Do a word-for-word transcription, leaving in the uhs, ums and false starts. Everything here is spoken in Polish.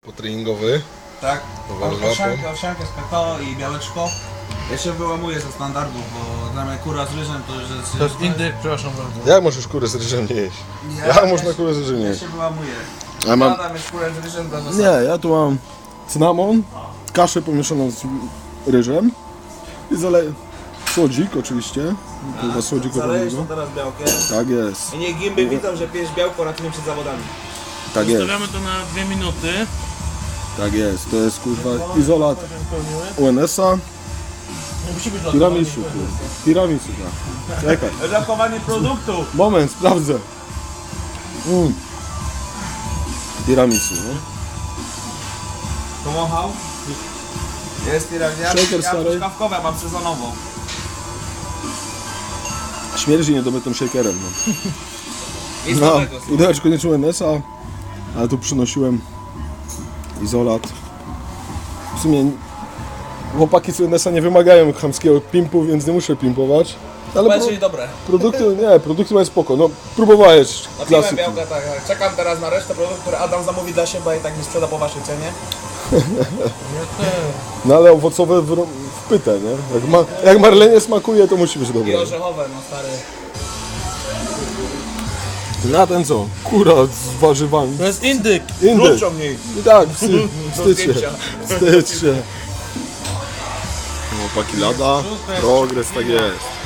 Potreningowy. Tak, Dobra, owsiankę, owsiankę z kakao i białeczko. Ja się wyłamuję ze standardów, bo dla mnie kura z ryżem to już jest... To jest indyk, przepraszam bardzo. Jak możesz kurę z ryżem nie jeść? Ja, Jak ja można się- kurę z ryżem nie Ja jeść? się wyłamuję. A mam... Adam jest kurę z ryżem dla zasady. Nie, ja tu mam cynamon, kaszę pomieszaną z ryżem i zale... słodzik oczywiście. Kurwa słodzik od Zalejesz to niego. teraz białkiem. Tak jest, I niech gimby widzą, że pijesz białko ratuje przed zawodami. tak jest, Zostawiamy to na dwie minuty. tak jest. To jest kurwa izolat U N S-a. Musi być Tiramisu, kurwa. Tiramisu, tak. Czekaj. Zachowanie produktu. Moment, sprawdzę. Mm. Tiramisu, no. Pomochał. Jest tiramisu. Shaker Ja stary. truskawkowe mam sezonową. Śmierdzi niedobytym shakerem, no. I z No, nowego. uderz koniecznie U N S-a, ale tu przynosiłem izolat. W sumie chłopaki z U N S-a nie wymagają chamskiego pimpu, więc nie muszę pimpować. Ale pro, Będzie dobre. produkty, nie, produkty mają spoko. No, próbowałeś Napiłem klasyki. białka, tak, tak. Czekam teraz na resztę produktów, które Adam zamówi dla siebie i tak nie sprzeda po waszej cenie. No ale owocowe w, w pytę, nie? Jak, ma, jak marlenie smakuje, to musi być I dobre. orzechowe, no stary. Na ten co? Kura z warzywami. To jest indyk. Indyk. Ciągnij. I tak, wstyd, wstyd się. zdjęcia. Wstyd się. Chłopaki lada, progres, tak jest.